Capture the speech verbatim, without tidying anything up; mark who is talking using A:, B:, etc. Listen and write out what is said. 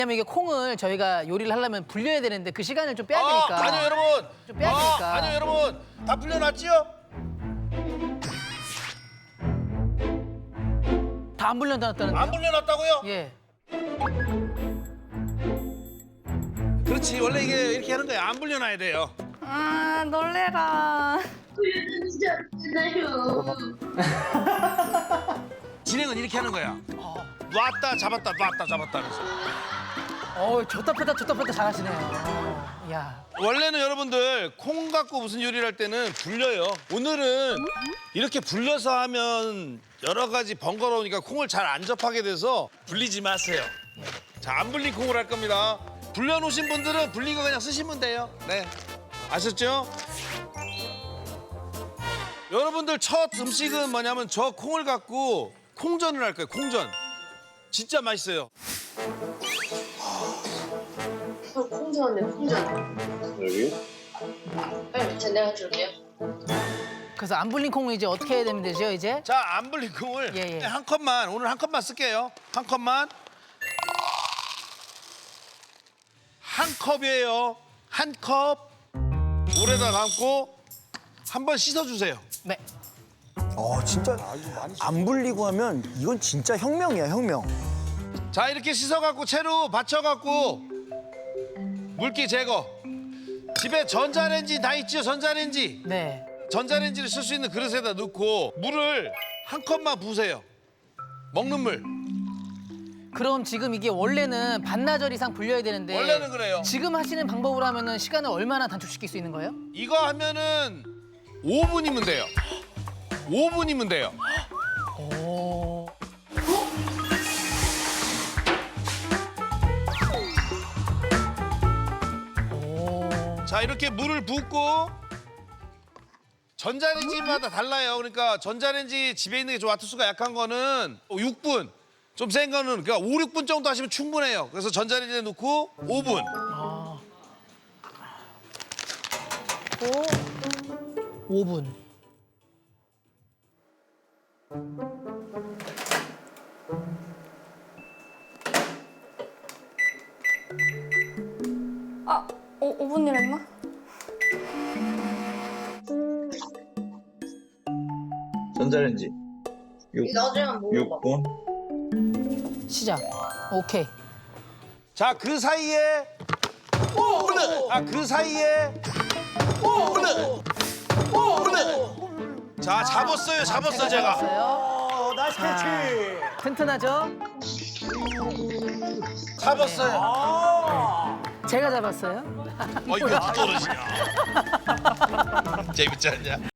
A: 왜냐면 이게 콩을 저희가 요리를 하려면 불려야 되는데 그 시간을 좀 빼야
B: 아,
A: 되니까.
B: 아니요 여러분.
A: 좀 빼야 되니까.
B: 아, 아니요 여러분. 다 불려놨지요?
A: 다 안 불려놨다는데요?
B: 안 불려놨다고요?
A: 예.
B: 그렇지 원래 이게 이렇게 하는 거야. 안 불려놔야 돼요.
C: 아 놀래라.
B: 진행은 이렇게 하는 거야. 놨다 잡았다 놨다 잡았다 하면서.
A: 어, 줬다 폈다 줬다 폈다 잘하시네요. 어, 야.
B: 원래는 여러분들 콩 갖고 무슨 요리를 할 때는 불려요. 오늘은 이렇게 불려서 하면 여러 가지 번거로우니까 콩을 잘 안 접하게 돼서 불리지 마세요. 자, 안 불린 콩을 할 겁니다. 불려놓으신 분들은 불린 거 그냥 쓰시면 돼요. 네, 아셨죠? 여러분들 첫 음식은 뭐냐면 저 콩을 갖고 콩전을 할 거예요. 콩전. 진짜 맛있어요.
D: 어, 콩전네, 콩전.
E: 여기?
D: 빨리 제 내가 줄게요.
A: 그래서 안 불린 콩을 이제 어떻게 해야 되면 되죠, 이제?
B: 자, 안 불린 콩을
A: 예, 예.
B: 한 컵만, 오늘 한 컵만 쓸게요. 한 컵만. 한 컵이에요. 한 컵. 물에다 담고 한번 씻어주세요.
A: 네.
F: 어 진짜 안 불리고 하면 이건 진짜 혁명이야 혁명.
B: 자, 이렇게 씻어갖고 채로 받쳐갖고 물기 제거. 집에 전자레인지 다 있죠, 전자레인지.
A: 네.
B: 전자레인지를 쓸 수 있는 그릇에다 넣고 물을 한 컵만 부으세요. 먹는 물.
A: 그럼 지금 이게 원래는 반나절 이상 불려야 되는데
B: 원래는 그래요.
A: 지금 하시는 방법으로 하면은 시간을 얼마나 단축시킬 수 있는 거예요?
B: 이거 하면은 오 분이면 돼요. 오 분이면 돼요.
A: 오. 오.
B: 자, 이렇게 물을 붓고 전자레인지마다 달라요. 그러니까 전자레인지 집에 있는 게 좀 와트수가 약한 거는 육 분, 좀 센 거는 그러니까 오, 육 분 정도 하시면 충분해요. 그래서 전자레인지에 넣고 오 분.
A: 오 분.
C: 아 오, 오 분이랬나?
E: 전자레인지
D: 나중에 먹어봐.
E: 육 분.
A: 시작. 오케이.
B: 자, 그 사이에 아, 그 사이에 자, 잡았어요. 잡았어 제가.
A: 잡았어요.
F: 나이스 캐치.
A: 튼튼하죠?
B: 잡았어요.
F: 아.
A: 제가 잡았어요.
B: 어, 이거 떨어지냐. 재밌지 않냐?